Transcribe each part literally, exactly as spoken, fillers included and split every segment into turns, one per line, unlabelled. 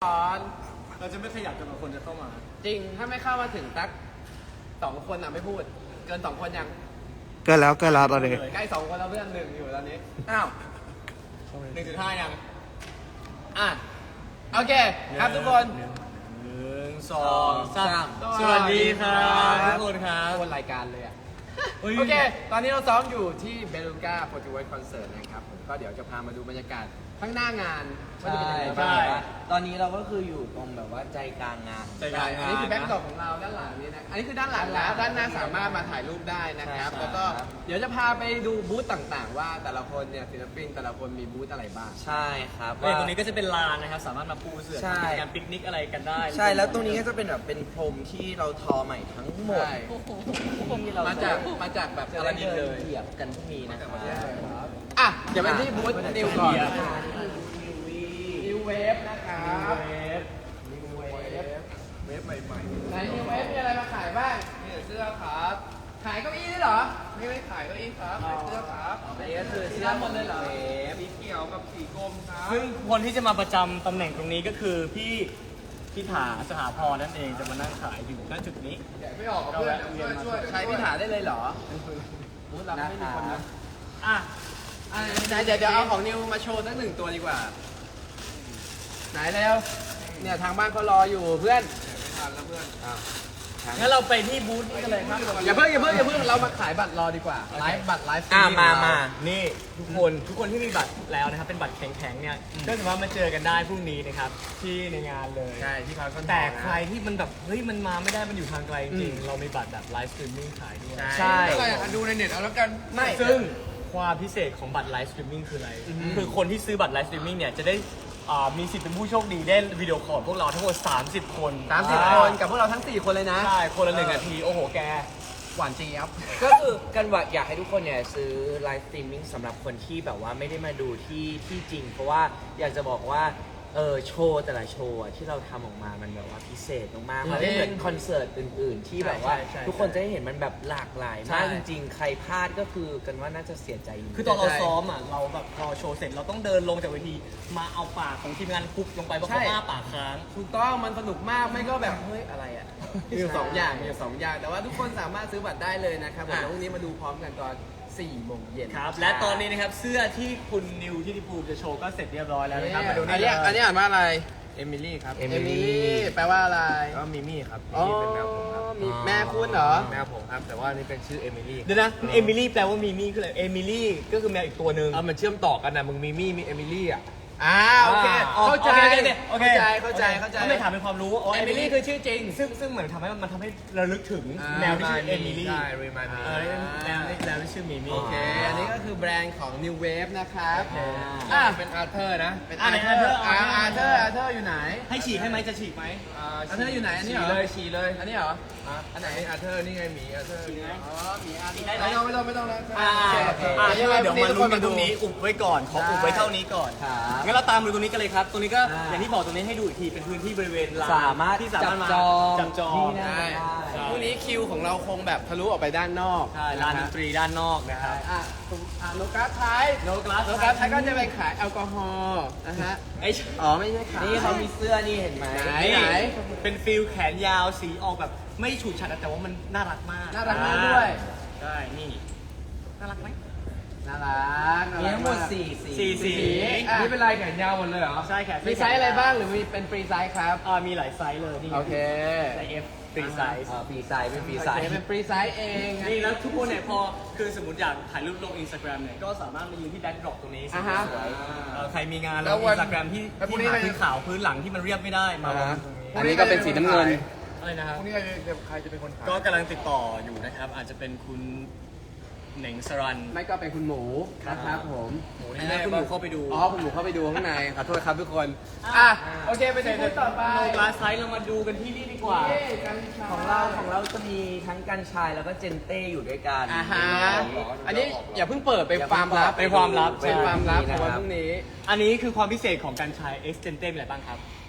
อน
เราจะไม่ขยับจนกว่าคนจะเข้ามา
จริงถ้าไม่เข้ามาถึงสักสองคนอ่ะไม่พูด เกินสองคนยัง
เกินแล้วเกินแล้วตอนนี้
ใกล้สองคนแล้วเพื่อนหนึ่งอยู่ตอนนี้
อ้าวหนึ่งจุดห้ายัง
อ่ะโอเคครับทุกคน
หนึ่งสองสามสวัสดีครับทุกคนครับ
คนรายการเลยอ่ะ
เฮ้ย
โอเค ตอนนี้เราซ้อมอยู่ที่เบลูก้าโปรตุเกสคอนเสิร์ตนะครับผมก็เดี๋ยวจะพามาดูบรรยากาศข้างหน้างานว่าจะเป็นยังไงบ้าง
ตอนนี้เราก็คืออยู่ตรงแบบว่าใจกลางงาน
ใจกลางงาน
อันนี้คือแบ็คดรอปของเราด้านหลังนี้นะ อันนี้คือด้านหลังแล้วด้านหน้าสามารถมาถ่ายรูปได้นะครับ
ใช่
แล้วก็เดี๋ยวจะพาไปดูบูธต่างๆ ว่าแต่ละคนเนี่ยศิลปินแต่ละคนมีบูธอะไรบ้าง
ใช่ครับ
เฮ้ยตรงนี้ก็จะเป็นลานนะครับ สามารถมาปูเสื่อ
ใช่
ทำการปิกนิกอะไรกันได้
ใช่แล้วตรงนี้ก็จะเป็นแบบเป็นพรมที่เราทอใหม่ทั้งหมด
ใช่
ที่เรา
มาจากมาจากแบบ
จะ
อ
ได้
ลาดิน
เดิ
เล
น
ย
เหยียบกันพรุ่งนี้นะครับ
อ่ะ เดี๋ยวไปที่บูธนิวก่อนนิวเวฟนะครับนิวเวฟเวฟใหม่ๆในนิวเวฟมีอะไรมาขายบ้างมีเสื้อครับ ขายเก้าอี้ด้วยเหรอ ไม่ไม่ขายเก้าอี้ครับขายเสื้อครับ
อันนี้ก็คือ
เสื้
เสื้
อ
อ
หมดเลยเหรอ
เวฟ
สีเขียวกับสีกรมครับ
ซึ่งคนที่จะมาประจำตำแหน่งตรงนี้ก็คือพี่พี่ถาสหพรนั่นเองจะมานั่งขายอยู่ณจุดนี้
แกะไม่ออกกับเพื่อนช่วยช่วยใช้พิถาได้เลยเหรอบูธเราไม่มีคนนะ
อ่ะ
อ่ะไหนเดี๋ยวเดี๋ยวเอาของนิวมาโชว์สักหนึ่งตัวดีกว่า ไหนเร็วเนี่ยทางบ้านเขารออยู่เพื่อนไม่ทันแล้วเพื่อน
งั้นเราไปที่บูธนี้กันเลยครับ
อย่าเพิ่งอย่าเพิ่งอย่าเพิ่งเรามาขายบัตรรอดีกว่าไลฟ์บัตรไลฟ์
อ่ามามา
นี่ทุกคนทุกคนที่มีบัตรแล้วนะครับเป็นบัตรแข็งๆเนี่ยก็สามารถมาเจอกันได้พรุ่งนี้นะครับที่ในงานเลย
ใช่ที่พารากอน
แต่ใครที่มันแบบเฮ้ยมันมาไม่ได้มันอยู่ทางไกลจริงๆเรามีบัตรแบบไลฟ์สตรีมมิ่งขายด้วย
ใช่
ก็อยากดูในเน็ตเอาแล้วกันไม่
ซึ่งความพิเศษของบัตรไลฟ์สตรีมมิ่งคืออะไร คือคนที่ซื้อบัตรไลฟ์สตรีมมิ่งเนี่ยจะได้อ่ามีสิทธิ์เป็นผู้โชคดีได้วิดีโอคอลพวกเราทั้งหมดสามสิบคน
สามสิบคนกับพวกเราทั้งสี่คนเลยนะ
ใช่คนละหนึ่งนาที โอ้โหแก
หวานเจี๊ยบ
ก็คือกันว่าอยากให้ทุกคนเนี่ยซื้อไลฟ์สตรีมมิ่งสำหรับคนที่แบบว่าไม่ได้มาดูที่ที่จริง เพราะว่าอยากจะบอกว่าเออโชว์แต่ละโชว์อะที่เราทำออกมามันแบบว่าพิเศษมากๆมันไม่เหมือนคอนเสิร์ตอื่นๆ ที่แบบว่า
ใช่ใช่
ทุกคนจะได้เห็นมันแบบหลากหลาย
ใช่
มากจริงๆ ใครพลาดก็คือกันว่าน่าจะเสียใจจริงๆ
คือตอนเราซ้อมอ่ะเราแบบพอโชว์เสร็จเราต้องเดินลงจากเวทีมาเอาปากของทีมงานคุกลงไปเพราะเขา
ใช่
อ้าปากค้าง
ถูกต้องมันสนุกมากไม่ก็แบบเฮ้ยอะไรอ่ะมีอยู่สองอย่างมีอยู่สองอย่าง แต่ว่าทุกคนสามารถซื้อบัตรได้เลยนะครับผม
อ่ะ
แล้วพรุ่งนี้มาดูพร้อมกันตอนสี่โมงเย็น
ครับ และตอนนี้นะครับเสื้อที่คุณนิวที่ดิภูมิจะโชว์ก็เสร็จเรียบร้อยแล้วนะครับ มาดู
อัน
นี่
นี้อันนี้อ่านว่าอะไร
เอมิลี่ครับ
เอ
เอมิลี่แปลว่าอะไร
ก็มิมี่ครับ
อ๋อ
มิมี่เป็นแมวผมครับ
มีแม่คุณเหรอ
แมวผมครับ แต่ว่านี่เป็นชื่อเอมิลี่
เดี๋ยวนะเอมิลี่แปลว่ามีมี่คืออะไรเอมิลี่ก็คือแมวอีกตัวหนึ่ง
เออมันเชื่อมต่อกันนะมึงมิมี่มีเอมิลี่อ่ะ
อ่าโอเค
อ๋อ
เข้าใจ
โอเค
เข้าใจเข้าใจเข้าใจ
ก็ไม่ถามเป็นความรู้ว่าอ๋อ
เอมิลี่คือชื่อจริง
ซึ่งซึ่งเหมือนทำให้มันทำให้ระลึกถึง
อ่า
แมวที่ชื่อเอมิลี่
ใช่รีมายมี
เออแมวนี่แมวที่ชื่อมิมี่
โอเค อันนี้ก็คือแบรนด์ของ New Wave นะครับ
อ่า
อ่ะ
เป็นอาร์เธอร์นะ
เป็น
อ่ะ
อา
ไหน
ร์เธอร์
อา
อา
ร์
ร์
เธ
เธ
อ
อ
ร์
ร์อาร์เธอร์อยู่ไหน
ให้ฉีกให้ไหมจะฉีกไหม
อาร์เธอร์อยู่ไหนอันนี้
ฉี
เหรอ
เลยฉีเลย
อันนี้เหรอ
อ่ะ
อันไหน
อาร์เธอร์นี่ไงหมีอาร์เธอร์
อ๋อมีอาร์เธอ
ได้
ร์
ไหม
ไม่ต้องไม่ต้องไม่ต้องแล้ว
อ่า
โอเคโอเค
อ่าเดี๋ยวเราเดี๋ยวมาลุ้นกัน
ทุ
ตรงนี้อุบไว้ก่อนขออุบไว้เท่านี้ก่อน
ครับ
งั้นเราตามดูตรงนี้กันเลยครับ ตรงนี้ก็
อ่า
อย่างที่บอกตรงนี้ให้ดูอีกทีเป็นพื้นที่บริเวณลาน
สามารถ
ที่สามารถมา
จับจอง
จับจอง
ที่นั่ง
ได้
ใช่
พรุ่งนี้คิวของเราคงแบบทะลุออกไปด้านนอก
ใช่ลานดนตรีด้านนอกนะครับ
อ่ะอ่ะโลกัสไทย
โนกลาส
โลกัสไทยก็จะไปขายแอลกอฮอล์นะฮะ
ไอ้
อ๋อไม่ใช่ขาย
นี่เขามีเสื้อนี่เห็นไหม
ไหน
นี่เป็นฟิลแขนยาวสีออกแบบไม่ฉูดฉาดแต่ว่ามันน่ารักมาก
น่ารักมากด้วย
ใช่นี่น่ารักไหม
น่ารักน่า
มี
รัก
ทั้งหมด
าก
สี่สี
สี่สี
อ่ะ
นี่เป็นลายแขนยาวหมดเลยเหรอ
ใช่แขน
มีไซส์อะไรบ้างหรือมีเป็นฟรีไซส์ครับ
อ่ามีหลายไซส์เลยนี่
โอเค
ไซส์ F ฟรีไซส์
อ่าฟรีไซส์เป็นฟรีไซ
โอ
ส์
เคเป็นฟรีไซส์เอง
นี่แล้วทุกคนเนี่ยพอคือสมมติอยากถ่ายรูปลงอินสตาแกรมเนี่ยก็สามารถมายืนที่แบ็คดรอปตรงนี้
อ่าฮะ
สวยๆเอ่อใครมีงาน
แล้
แล้ว
ววั
อิ
น
นสตาแกรมที่
แล้วพรุ่ง
ที่
นี้
หา
ใคร
พื้นขาวพื้นหลังที่มันเรียบไม่ได้มาลงตรงนี้
อันนี้ก็เป็นสีน้ำเงิน
อะไรนะครับ
พรุ่งนี้ใครจะใครจะเป็นคนขาย
ก็กำลังติดต่ออยู่นะครับ อาจจะเป็นคุณเหน่งสรัน
ไม่ก็เป็นคุณหมูนะครับผม
หมูนี่แม่คุณหมูเข้าไปดู
อ๋อคุณหมูเข้าไปดูข้างในขอโทษครับทุกคน อ่ะโอเคไปที่บูธต่อไป
โลกลาไซส์เรามาดูกันที่นี่ดีกว่า
ของเราของเราจะมีทั้งกัญชายแล้วก็เจนเต้อยู่ด้วยกัน
อ่าฮะอันนี้อย่าเพิ่งเปิดเป็นความลับ
เป็นความลับ
เป็นความลับ
ใช่
ของวันพรุ่งนี้
อันนี้คือความพิเศษของการใช้ Extente มีอะไรบ้างครับ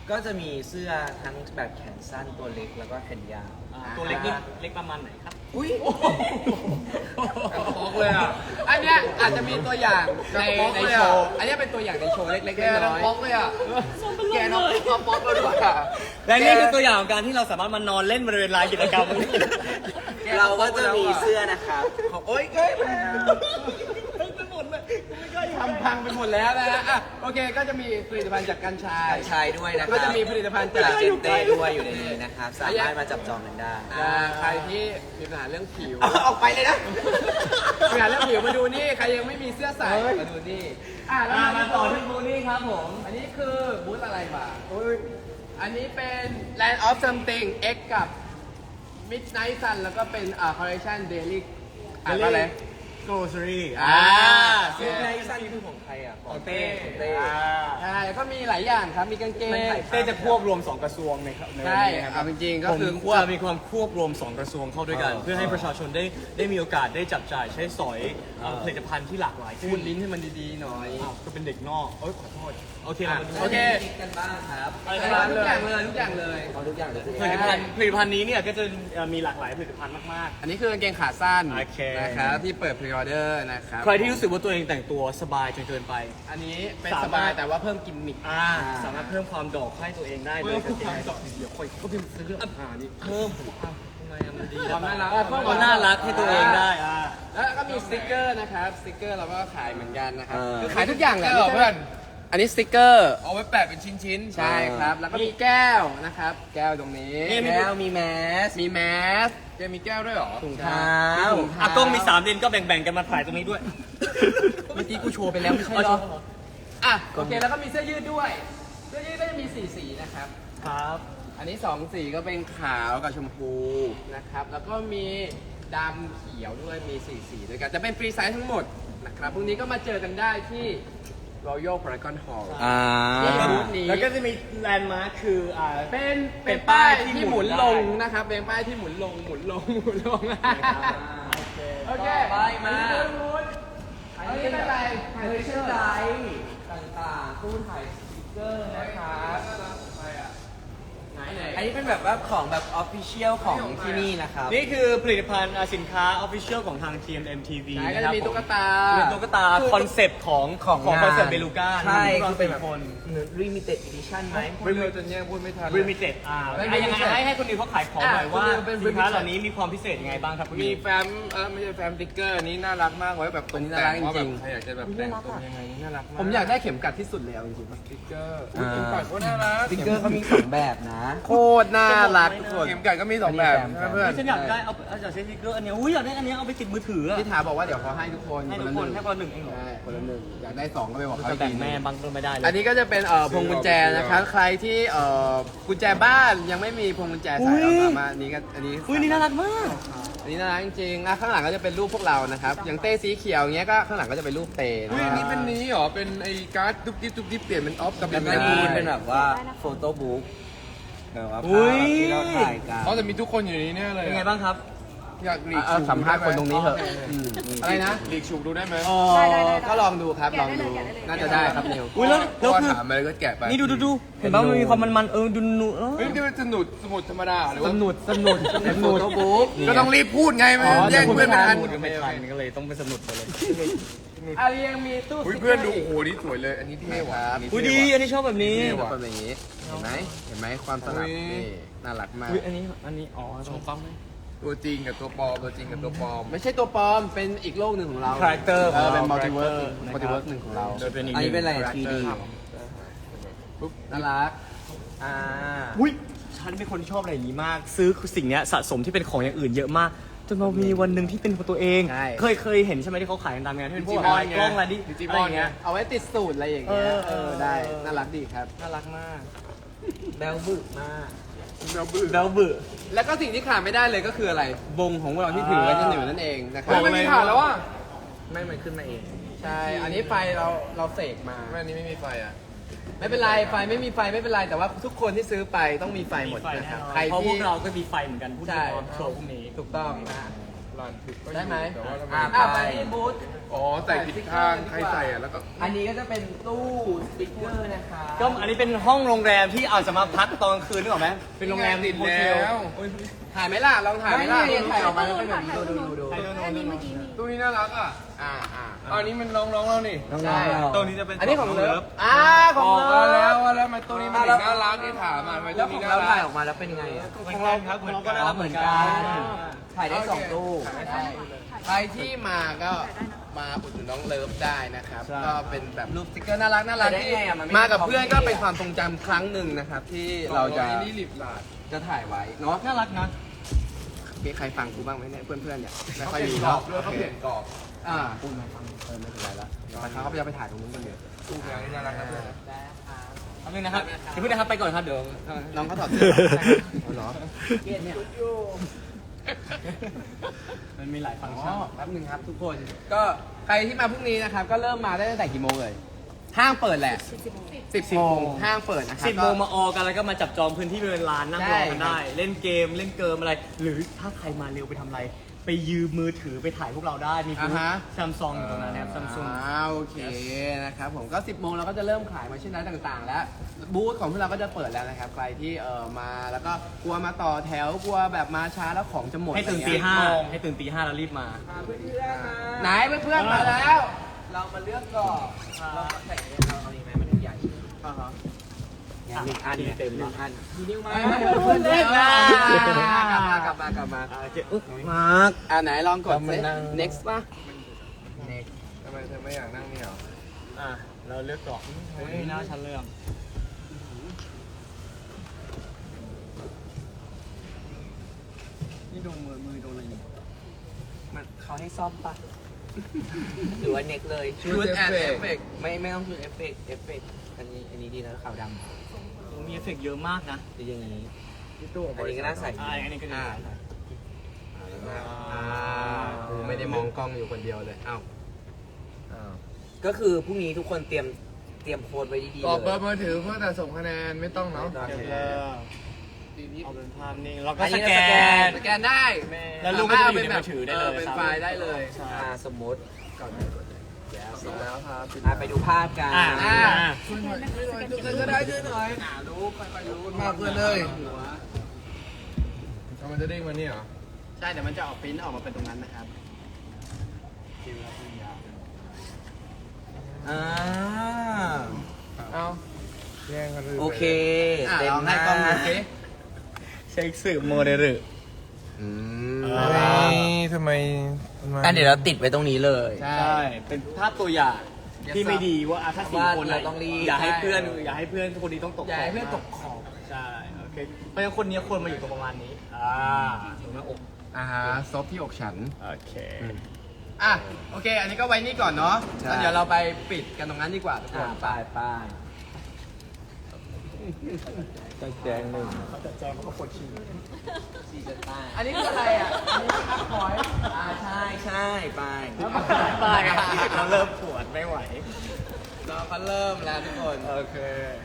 ก็จะมีเสื้อทั้งแบบแขนสั้นตัวเล็กแล้วก็แขนยาว
อ่าตัวเล็กนี่เล็กประมาณไหนครับ
อุ้ย
ป๊อกเลยอ่ะ
อันเนี้ยอาจจะมีตัวอย่างใน
ป๊อก
ใน
เลย
โช
อะ
ว์ อันเนี้ยเป็นตัวอย่างในโชว์เล็กๆ
แก
น้
น้อง
อย
ป๊อกเลยอ่ะแกน้องป๊อกเลยด้วยอ่ะ
และนี่คือตัวอย่างของการที่เราสามารถมานอนเล่นบริเวณลานกิจกรรม
เราก็จะมีเสื้อนะครับ
ของโอ๊ยเก้ยแม่
ทำพังไปหมดแล้วนะฮะอ่ะโอเคก็จะมีผลิตภัณฑ์จากกัญชา
กัญชายด้วยนะครับ
ก็จะมีผลิตภัณฑ์จาก
จากเจนเต้ด้วยอยู่ในนี้นะครับ สามารถมาจับจองกันได้
อ่าใครที่มีปัญหาเรื่องผิว
ออกไปเลยนะ
มีปัญหาเรื่องผิวมาดูนี่ ใครยังไม่มีเสื้อใส่มาดูนี่ อ่ะแล้ว
มา
มา
ต่อที่บูนี่ครับผม
อันนี้คือบูธอะไรมาอันนี้เป็น Land of Something X กับ Midnight Sun แล้วก็เป็นอ่า Collection Daily อ่านว่าอะไร
grocery
อ่า
เสื้อในสั้นคือของใครอ่ะ ของเต้ของเต้
ใช่ก็มีหลายอย่างครับ มีกางเกง
เต้จะควบรวมสองกระทรวงในครับในวัน
ใช่
นี้นะค
เอา
รับ
จริงๆก็
ผม
คือ
จะมีความควบรวมสองกระทรวงเข้าด้วยกัน เพื่อให้ประชาชนได้ได้มีโอกาสได้จับจ่ายใช้สอยเอ่อผลิตภัณฑ์ที่หลากหลาย
พู
ขึ้
ด
น
ลิ้นให้มันดีๆหน่อย
อ้าวก็เป็นเด็กนอกเอ้ยขอโทษโอเคเรามาดู
โอเค
กันบ้างครับ
ทุกอย่างเลยทุกอย่างเลย
เอาทุกอย่างเลย
ผลิตภัณฑ์ผลิตภัณฑ์นี้เนี่ยก็จะเอ่อมีหลากหลายผลิตภัณฑ์มาก
อันนี้คือกางเกงขาสั้น
โอเค
นะครับที่เปิดพรีออเดอร์นะครับ
ๆ ใครที่รู้สึกว่าตัวเองแต่งตัวสบายจนเกินไป
อันนี้เป็น
สามารถ
สบายแต่ว่าเพิ่มกิมมิค
อ่าสามารถเพิ่มความดอกให้ตัวเองได้เลยเพิ่มความดอกเดี๋ยวค่อยก็พิมพ์ซื้ออ่านี่เพิ่มอ่ะทำไมอ่ะมันดี
ความน่ารัก
อ่ะเพิ่มความน่ารักให้ตัวเองได้อ่า
แล้วก็มีสติกเกอร์นะครับสติกเกอร์เราก็ขายเหมือนกันนะครับ
เออ
คือขายทุกอย่างแหละ
เออ
ไม่ใช่
เพื่อน
อันนี้สติกเกอร์
เอาไว้แปะเป็นชิ้นๆ
ใช่ครับ แล้วก็มีแก้วนะครับ แก้วตรงนี้
แก้วมีแมส
มีแมส
แกมีแก้วด้วยเหรอ
ถุง
เท้า
เท้าถุงเท้า
อ่ะกล้องมีสามเลนก็แบ่งๆกันมาถ่ายตรงนี้ด้วย
เมื่อกี้กูโชว์ไปแล้วไม่ใช่เหรออ่ะโอเคแล้วก็มีเสื้อยืดด้วย เสื้อยืดก็จะมีสี่สีนะครับ
ครับ
อันนี้สองสีก็เป็นขาวกับชมพูนะครับ แล้วก็มีดำเขียวด้วย มีสี่สีด้วยกัน จะเป็นฟรีไซส์ทั้งหมดนะครับ พรุ่งนี้ก็มาเจอกันได้ที่ Royal Paragon Hall
อ่า
ที่บูธนี้
แล้วก็จะมีแลนด์มาร์คคืออ่า
เป็น
เป็
เป็น
น
ป้า
ป้าย ย
ที่
ที่
ห
หมุ
มุน
น
ลง
ได้
นะครับ เป็นป้ายที่หมุนลง หมุนลง หมุนลง โอเค
ไปมา
อันนี้เป็นอะไร
เฮ้ยเชื่อใจต่างๆตู้ถ่ายสติ๊กเกอร์นะครับ
ไหนไหน
อันนี้เป็นแบบว่าของแบบออฟฟิเชียลของที่นี่นะครับ
นี่คือผลิตภัณฑ์อ่าสินค้าออฟฟิเชียลของทาง ที เอ็ม เอ็ม ที วี
ไหนก็
นะค
จะ
รับ
มีตุ๊กตา
ผมเป็นตุ๊กตาคอนเซปต์ของ
ของ
ของ
งาน
คอนเซปต์เบลูก้า
ใช่
คื
คือ อเป็นแบบ
คน
limited edition ไหม
ไม่เลยจนแย่งพูดไม่ทัน
ริมิเต็ดอ่า
ไม่
อ่ะยังไง
limited
ให้ให้คนอื่นเขาขายของหน่อย
อ่ะ
ว่า
คือเป็น
สินค้า
limited
เหล่านี้มีความพิเศษยังไงบ้างครับคุณ
มี
มี
แฟ้มเออไม่ใช่แฟ้มติ๊กเกอร์อันนี้น่ารักมากไว้แบบตก
อันนี้
แต่
น่ารัก
งว่า
จ
แบ
ริ
บ
ง
ใครอยากจะแบบแต่งตัวยังไงน่ารักมาก
ผมอยากได้เข็มกัดที่สุดแล้วจริง
ติ๊กเกอร์อุ๊ยเข็มกัดก็น่ารัก
สติ๊กเกอร์เขามีสองแบบนะ
ๆโคตรน่ารักทุกคน
เข็มกัดก็มีสองแบบใช่ไหมเพื่อน
ฉันอยากได้เอาเอาจากเซนติเกอร์อันเนี้ยอุ้ยอยากได้อันเนี้ยเอาไปติดมือถืออะ
พี่ถาบอกว่าเดี๋ยวเขาให้ทุกคน
ให้
ค
ทุ
น
ก
ละ
ค
ห
น
นึ่ง
ให้คนละหนึ่งเองเหรอ
ใช่คนละหนึ่งอยากได้สองก็ไปบอกเขา
จะ
อีก
แบ่ง
ทีหนึ่
แม่บางก็ไม่ได้เลย
อันนี้ก็จะเป็นเอ่อพวงกุญแจนะครับ ใครที่เอ่อกุญแจบ้านยังไม่มีพวงกุญแจใส่เราสามารถอันนี้ก็อันนี้
อุ้ยนี่น่ารักมาก
อันนี้น่ารักจริงๆอ่ะข้างหลังก็จะเป็นรูปพวกเรานะครับ อย่างเต้สีเขียวอย่างเงี้ยก็ข้างหลังก็จะเป็นรูปเต้นะ
อุ้ยอันนี้เป็นนี้เหรอ เป็นไอ้การ์ดตุ๊กติ๊บตุ๊กติ๊บเปลี่ยนเป็นออฟกับ
แล้วก็
เป็น
มีเป็นแบบว่าโฟโต้บุ๊กแบบว่า
อุ๊
ภาย พที่เราถ่ายกัน
เขาจะมีทุกคนอยู่ในนี้แน่เลย
เป็นไงบ้างครับ
อยากหลีก
เอา
ฉุก
สัมภาษณ์คนตรงนี้เถอะอืมอะไรนะ
หลีกฉุกดูได้ไหม
อ๋อก็ลองดูครับลองดูน่าจะได้ครับนิว
อุ้ยแล้ว
เพ
แล้ว
ราะว่า
คือ
ถามอะไรก็แกะไป
นี่ดูดูดูเห็นป่ะมันมีความมันมันๆเออดูนูเออ
เฮ้ยนี่มันสนุดสมุดธรรมดาหรือ
ส
ว่า
นุดสนุดส
เป็นโฟ
นุด
โต้บุ๊ก
ก็ต้องรีบพูดไงไม่
อ๋อ
แย่งเพื่อนไม่ทัน
พูดกันไม่ทันก็เลยต้องไปสนุกไปเลย
อารียังมีตู้
อุ้ย
สติ๊กกร์
เพื่อนดูโอ้โหนี่สวยเลย อันนี้เท่ว่ะ
ครับ
นนี้
อุ้ย
เท่
ดี
ว่ะ
อันนี้ชอบแบบนี้
นี่แบบอย่างนี้เห็นไหมเห็นไหมความสลับ
อุ๊ย
นี่น่ารักมาก
อุ้ยอันนี้อันนี้อ๋อชมฟังไหม
ตัวจริงกับตัวปลอมตัวจริงกับตัวปลอม
ไม่ใช่ตัวปลอมเป็นอีกโลกหนึ่งของเรา
Character
เออเป็น
ของเรา
มัลติเวิร์ส
Character
มัลติเวิร์สหนึ่งของเรา
โดยเป็นอีก
อันนี้เป็นอะไร
ห
ทรี
ง
ดี
ปุ๊บน่ารัก
อ่า
อุ้ยฉันเป็นคนที่ชอบอะไรอย่างนี้มาก ซื้อสิ่งเนี้ยสะสมที่เป็นของอย่างอื่นเยอะมากจนมามีวันหนึ่งที่เป็นของตัวเอง
ใช่
เคยเคยเห็นใช่ไหมที่เขาขายกันตามงานที่เป็นพวก
ดิจิมอน
อะไรกล้องอะไรดิ
ดิจิม
อะไร
อน
อย่างเงี้ย
เอาไว้ติดสูตรอะไรอย่างเงี้ย
เออ
เออได้ น่ารักดีครับ
น่ารักมาก
แบลบึกมาก
เราบื้อ
แบลบึ
แล้วก็สิ่งที่ขาดไม่ได้เลยก็คืออะไรวงของเราที่ถือไว้จะหนึ่งนั่นเองนะครั
เฮ้ยไม่มีถ่านแล้วว่ะ
ไม่มันขึ้นมาเอง
ใช่ อันนี้ไฟเราเราเสกมา
แม่อันนี้ไม่มีไฟอ่ะ
ไม่เป็นไร ไฟไม่มีไฟไม่เป็นไร แต่ว่าทุกคนที่ซื้อไปต้องมีไฟหมด
ไฟ
นะ
แน่
ครับ
นอน
ใคร
เพราะพ
ที่
วกเราก็มีไฟเหมือนกันพูด
ใช่
ถึงตอนโชว์พวกนี้
ถูกต้องนะ
รันถึกก็อยู่
ได้ไหม
แต่ว่าทำไม
อ่ะไปที่บูธ
อ๋อใส่ผิดข้างใครใส่อ่ะแล้วก็
อันนี้ก็จะเป็นตู้สปิเกอร์นะคะ
ก็อันนี้เป็นห้องโรงแรมที่อาจจะมาพักตอนกลางคืนนึกออกไหมเป็นโรงแรม
ติด
โฮเท
แล้ว
ล
ถ่ายไหมล่ะลองถ่ายไหมล่ะถ่ายออกมาแล้วเป็นแบบนี้ดูดูดูดู
อันนี้เมื่อกี้มี
ตู้นี้น่ารักอ่ะ
อ่าอ่า
อ๋ออันนี้มันน้องๆเรานี่
ใช่
ตัวนี้จะเป็น
อันนี้ของเลิฟอ่าข
บ
อง
อก
เลิ
มา
ฟ
แล้วว่าแล้วมันตู้นี้มันถึงน่ารักที่ถามมาทำไม
แล้
ตู้
วขอ
นี้
ง
น่า
เรา
รั
ถ่าย
ก
ออกมาแล้วเป็นไงอ่ะ
ของเราครับของเราก็น่ารัก
เห
เห
มื
มื
อ
อน น
กั
กัน น
ถ่ายได้สองตู้
ถ่ายได้ส
ใช่
องตู้เลย
ใครที่มาก็มาอุดหนุนน้องเลิฟได้นะครับ
ใช่
ก็เป็นแบบรูปสติ๊กเกอร์น่ารักน่ารัก
ได้
ที่
ไงอะมันไม่
มากับ
มี
เพื่อน
ของ
ก็
ดี
เป็น
อะ
ความทรงจำครั้งหนึ่งนะครับ ที่เราจะ
อันนี้ลิบลาด
จะถ่ายไว้เนาะ
น่ารักนะ
มีใครฟังกูบ้างไหมเนี่ยเพื่อนๆเนี่ยไม่ค่อยมี
กรอ
เนาะ
บด้วยเขาเปลี่ยนกรอบ
อ่าคุณมาฟังเออไม่เป็นไรละเดี๋ยวเขาจะไปถ่ายตรงนู้นกันเดี๋ยว
ตู้แมวนี่น่ารักนะเพื่อนนะ
ทำนึงนะครับเดี๋ยวพี่นะครับไปก่อนครับเดี๋ยว
น้องเขาถอดเสื้อเอาเหรอ
เกลียดเนี่ย
มันมีหลายฟังก์
อ๋
ชั
อน แป๊บนึงครับทุกคน ก็ใครที่มาพรุ่งนี้นะครับ ก็เริ่มมาได้ตั้งแต่กี่โมงเลย ห้างเปิดแหละสิบโมงห้างเปิดนะครับ
สิบโมงมาออกันแล้วก็มาจับจองพื้นที่บริเวณลานนั่งรอกันได้ เล่นเกมเล่นเกิมอะไร หรือถ้าใครมาเร็วไปทำอะไร ไปยืมมือถือไปถ่ายพวกเราได้ มีบูธ
อ่าฮะ
ซัมซุงอยู่ตรงนั้นนะครับซัมซุง
อ่าโอเคนะครับผมก็สิบโมงเราก็จะเริ่มขายมาชิ้นนั้นต่างๆ แล้วบูธของพวกเราก็จะเปิดแล้วนะครับใครที่เออมาแล้วก็กลัวมาต่อแถวกลัวแบบมาช้าแล้วของจะหมด
ให้ตื่นตี
อะไรเงี้ย
ห้าให้ตื่นตีห้าแล้วรีบมา
ไหนเพื่อนๆมาแล้ว เรามาเลือกก่อนเราใส่เราเอาดีไหมมันใหญ่
อ่าฮะ
หนึ่งอัน
เต็ม
หนึ่
แล้ว
งอัน
มีนิ้วไหม
เพื่อนๆเล่นมากลับมากลับมากลับมา
โอเคอุ๊ยมาร์ค
อ่าไหนลองกด
เรามา
สิ
นั่ง
next ป่ะ
ทำไมเธอไม่อยากนั่งนี่หรอ
อ่ะเราเลือกกล่องเฮ้ยหน้าชั้นเรื่องนี่โดนมือมือโดนอะไรอยู่
มันเขาให้ซ่อมปะหรือว่าเน็กเลย
ชุดแอนเอฟเฟก
ไม่ไม่ต้องชุดเอฟเฟกต์เอฟเฟกต์อันนี้อันนี้ดีนะขาวดำ
มีเอฟเฟกต์เยอะมากนะ
จะอย่างนี้
ที่ตู้ของ
อันนี้ก็น่าใส่
อ่าอันนี้ก็ดี
อ่าอ่ากูไม่ได้มองกล้องอยู่คนเดียวเลยอ้าว
ก็คือพรุ่งนี้ทุกคนเตรียมเตรียมโค้ดไว้ดี
ก
ๆ
รอบเบ
เล
อย ร์มือถือเพื่อแต่ส่งคะแนนไม่ต้องเนาะ
เดี๋ยวเริ่มเอาเป็นภาพนิ่งแล้วก็
อัน
ส
นี้
แก
เราสแก
น
น
สแกนได้
แล้วลูกก็จะอยู่ในมือถือได้เลย
เป็นไฟล์ได้เลย
ใช่
อ่าสมมติ
ส่งแล้วครับ
อ่าไปดูภาพกัน
อ่า
อ่า
ช่วยหน่อยช่วยหน่อยช่วยก็ได้ช่วยหน่อย
อ่ารู้ค่อยๆรู้
มากเพื่อนเลยทำไมจะเด้งมาเนี่ยเหรอ
ใช่เดี๋ยวมันจะออกปริ้นออกมาเป็นตรงนั้นนะครับ
อ่า
เอ้าแย่งกันเลย
โอเค
อ่า
เต็
ล
ม
อง
ห
ให้
น้าก
ล้องดูสิ
เช็คสื่อโมเดล
อืม
อ่า
ทำไม
อันเดี๋ยวเราติดไว้ตรงนี้เลย
ใช่
ใช่ เป็นภาพตัวอย่างที่ไม่ดีว่าอ่ะถ้าสี่
ว่า
คน
เราต้องรีบ
อย่าให้เพื่อนอย่าให้เพื่อนคนนี้ต้องตก
อย่าให้เพื่อนตกขอบ
ใช่โอเคเพราะฉะนั้นคนนี้ควรมาอยู่ตรงประมาณนี้อ่าตรงหน้าอก
อ่าฮะซบที่อกฉัน
โอเค
อ่ะโอเค อันนี้ก็ไว้นี่ก่อนเนาะ
ใช่
แล้วเดี๋ยวเราไปปิดกันตรงนั้นดีกว่าทุกค
อ่าน ไปไป
แจงหนึ่งเขาจะแจงเขาก็ปวดฉี่
อันนี้คืออะไรอ่ะ อันนี้คืออัพพอยต์
อ่าใช่ใช่ไป
ตายครับเราเริ่มปวดไม่ไหว
เราก็เริ่มแล้วทุกคน
โอเค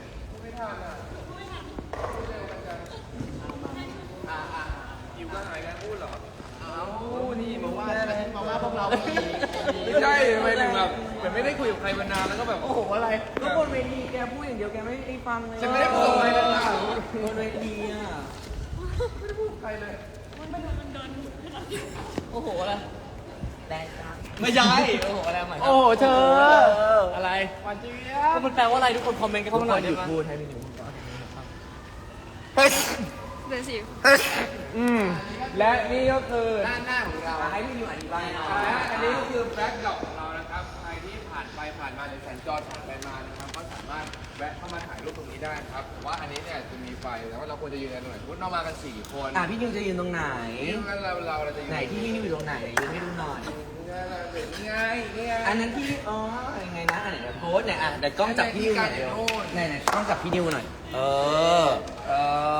อิวก็หายกันพูดเหรอ
เอานี่มาว่ามาว่าพวกเรา
ไม่ใช่ทำไมถึงแบบเหมือนไม่ได้คุยกับใครมานานแล้วก็แบบ
โอ้โหอะไร
ก็บนเวทีแกพูดอย่างเดียวแกไม่ได้ฟังเลย
ฉันไม่ได้ส่งอะไรเลยนะ
บนเวทีอ่ะ
โอ้โหอะไร
แดงครับ
ไม่ใช่โอ้โหอะไรใหม่
โอ้โหเธอ
อะไร
หวานเจี๊ย
ก็
บ
มันแปลว่าอะไรทุกคนคอมเมนต์กันเข้ามาหน่อย
ห
ได้
ยุด
ไหม
พูดให้พี่นิว
เดือนสิบ
อืมและนี่ก็คือ
ด้านหน้าของเรา
ให้พี่นิวอธิบายหน่อย
และอันนี้ก็คือแบ็คดรอปของเรานะครับ ใครที่ผ่านไปผ่านมาหรือสัญจรผ่านไปมานะครับก็สามารถแวะเข้ามาถ่ายรูปตรงนี้ได้ครับแต่ว่าอันนี้เนี่ยจะมีไฟแต่ว่าเราควรจะยืนกันตรงไหนสมมติเรามากันสี่คน
อ่ะพี่นิวจะยืนตรงไหน
นี่งั้นเราเราเราจะยืน
ไหนที่พี่นิวอยู่ตรงไหนยืนให้ดูหน่อย
นี่ไงนี่ไง
อันนั้นที่อ๋อยังไงนะอันไหนเดี๋ยวโพสต์เนี่ยอ่ะเดี๋ยวกล้องจับพี่นิวหน่อยเดี๋ยวไหนไหนกล้องจับพี่นิวหน่อย เออ
เออ
ยังไงโพส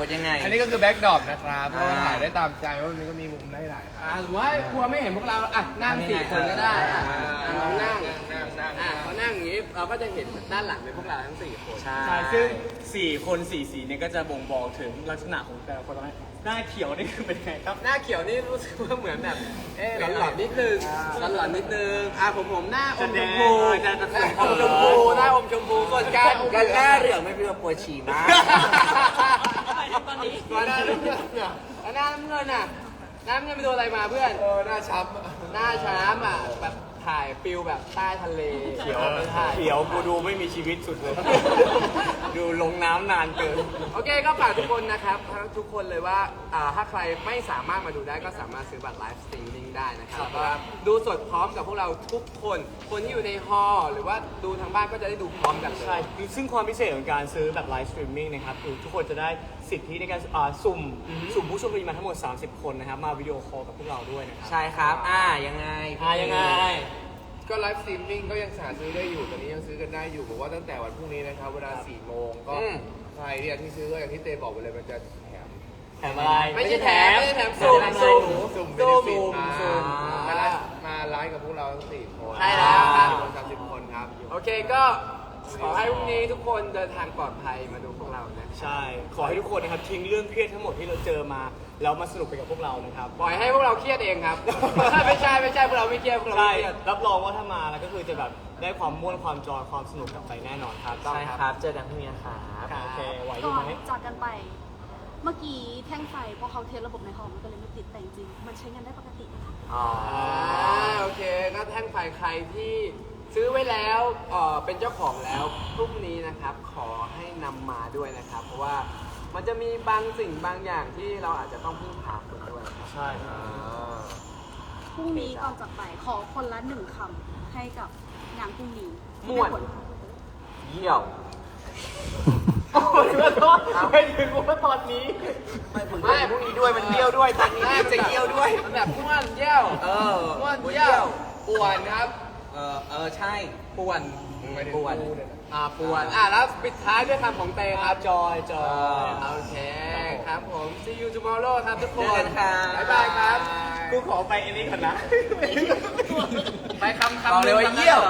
ดยังไง
อันนี้ก็คือแบ็กดรอปนะครับเพราะว่าถ่ายได้ตามใจว่ามันก็มีมุมได้หลายค
อ่า
รับ
หรือว่ากลัวไม่เห็นพวกเราอ่ะนั่งสี่คนก็ได้อ่ะอ่ะลองนั่ง
นั่งนั่ง
อ่ะเขานั่งอย่างนี้เราก็จะเห็นด้านหลังเป็นพวกเราทั้งสี่คน
ใช่
ใช่ซึ่งสี่คนสี่สีเนี่ยก็จะบ่งบอกถึงลักษณะของแต่ละคนว่าหน้าเขียวนี่คือเป็นไงครับ
หน้าเขียวนี่รู้สึกว่าเหมือนแบบเอ๊ะหลอนๆนิดนึงหลอนๆนิดนึงอ่ะผมผมหน้าอมชมพู
จะแดงจะ
อมชมพูหน้าอมชมพูส่วนการ
กันหน้าเหลืองไม่เป็นปวดฉี่มาก
ตอนนี้หน้าน้ำเงินเนี่ยแล้วหน้าน้ำเงินอ่ะหน้าน้ำเงินไปโดนอะไรมาเพื่อน
เออหน้าช้ำ
หน้าช้ำอ่ะแบบถ่ายฟิลแบบใต้ทะเล
เขียว
ไม่ถ่าย
เขียวกูดูไม่มีชีวิตสุดเลย ดูลงน้ำนานเกิน
โอเคก็ฝากทุกคนนะครับทั้งทุกคนเลยว่าอ่าถ้าใครไม่สามารถมาดูได้ก็สามารถซื้อบัตรไลฟ์สตรีมมิ่งได้นะครับแล้วก็ดูสดพร้อมกับพวกเราทุกคน คนที่อยู่ในฮอลล์หรือว่าดูทางบ้านก็จะได้ดูพร้อมกันเลย
ใช่คือซึ่งความพิเศษของการซื้อแบบไลฟ์สตรีมมิ่งนะครับคือทุกคนจะได้สิทธิในการอ่าสุ่มสุ่มผู้โชคดีมาทั้งหมด สามสิบ คนนะครับ มาวิดีโอคอลกับพวกเราด้วยนะครับ
ใช่ครับ อ่า ยังไง
อ่ายังไง
ก็ไลฟ์สตรีมมิ่งก็ยังสามารถซื้อได้อยู่ตอนนี้ยังซื้อกันได้อยู่บอกว่าตั้งแต่วันพรุ่งนี้นะครับเวลาสี่โมงก็
อืม
ใครเนี่ยที่ซื้อก็อย่างที่เตบอกไปเลยมันจะแถม
แถมอะไร
ไม่ใช่แถมไม่ใช่แถมสุ่ม
แถ
สุ่ม
สุ่ม
สุ่ม
สุ่ม
สุ่ม
มาไลฟ์มาไลฟ์กับพวกเราทั้งสี่คน
ใช่แล้วครับ
คนสามสิบคนครับ
โอเคก็ขอให้พรุ่งนี้ทุกคนเดินทางปลอดภัยมาดูพวกเรานะ
ใช่ ขอให้ทุกคนนะครับทิ้งเรื่องเครียดทั้งหมดที่เราเจอมา แล้วมาสนุกไปกับพวกเรานะครับ
ปล่อยให้พวกเราเครียดเองครับ ไม่ใช่ไม่ใช่พวกเราไม่เครียดพวกเรา
ใช่
ไม่เครียด
รับรองว่าถ้ามาแล้วก็คือจะแบบได้ความม่วนความจอยความสนุกกลับไปแน่นอนครับ
ใช่ครับ เจอกันพรุ่งนี้ครับ
โอเคไหวอ
ก่
ยู่
อน
ไหม
จากกันไป เมื่อกี้แท่งไฟพอเขาเทสระบบในห้องมันก็เลยไม่ติดแต่จริงๆมันใช้งานได้ปกตินะคะ
อ๋อ
อ่าโอเคก็แท่งไฟใครที่ซื้อไว้แล้วเอ่อเป็นเจ้าของแล้วพรุ่งนี้นะครับ ขอให้นำมาด้วยนะครับ เพราะว่ามันจะมีบางสิ่งบางอย่างที่เราอาจจะต้องพึ่งพาคนด้วยครับ
ใช่
พรุ่งนี้ก่อนจากไปขอคนละหนึ่งคำให้กับงานพรุ่งนี้
ม่วน
ให้ผล
เยี่ยว
โอ้ยขอโทษไม่ถึงว่าตอนนี้
ไม่พรุ่งนี้ด้วยมันเยี่ยวด้วยตอนนี้จะเยี่ยวด้วยมันแบบม่วนเยี่ยว
เออ
ม่วนเยี่ยวป่วนครับ
เออ เออ ใช่
ป่วน
ป่วน
อ่าป่วนอ่าแล้วปิดท้ายด้วยคำของเตครับ
จอยจอย
โอเคครับผม see you tomorrow ครับทุกค
เจอกัน นครับ
บ๊ายบายครับ
กูขอไปอันนี้ก่อนนะ
ไปคำคำ
บอกเลยว่าเยี่ยว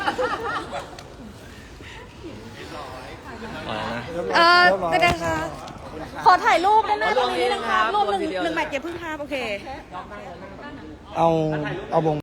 เออเป็นไงคะขอถ่ายรูปด้านหน้าตรงนี้นิดนึงครับรูปหนึ่งหนึ่งแมทอย่าเพิ่งภาพโอเค
เอา เอาวง